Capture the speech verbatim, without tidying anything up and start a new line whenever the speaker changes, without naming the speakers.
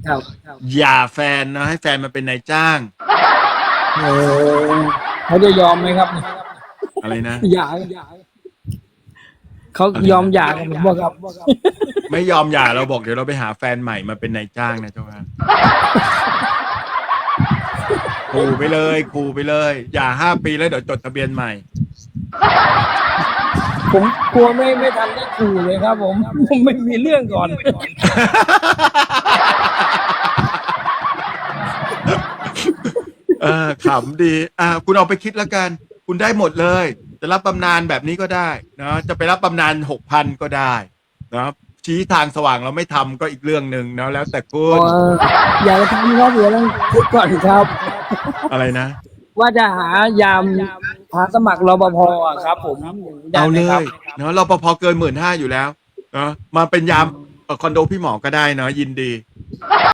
ครับ
อย่าแฟนนะให้แฟนมาเป็นนายจ้าง
โอ้เขาจะยอมไหมครับ
อะไรนะ
หย่าเขายอมหย่ากับผมบ่ครับ
ไม่ยอมหย่าเราบอกเดี๋ยวเราไปหาแฟนใหม่มาเป็นนายจ้างนะเจ้าค่ะขู่ไปเลยขู่ไปเลยอย่าห้าปีแล้วเดี๋ยวจดทะเบียนใหม่
ผมกลัวไม่ไม่ทันได้ขู่เลยครับ ผมผมไม่มีเรื่องก่อน
เออขำดีอ่าคุณเอาไปคิดแล้วกัน คุณได้หมดเลย จะรับบำนาญแบบนี้ก็ได้นะจะไปรับบำนาญหกพันก็ได้นะชี้ทางสว่างเราไม่ทำก็อีกเรื่องหนึ่งนะแล้วแต่คุณ
เอออย่าไปทำครับเดี๋ยวต้องคิดก่อนครับ
อะไรนะ
ว่าจะหายามหาสมัครรปภอะครับ ผมได้
เอา
ไหม
เล
ครับ
ยเนาะเราพอเกินหมื่นห้าอยู่แล้วเนาะมาเป็นยามเอ่อคอนโดพี่หมอก็ได้เนาะยินดี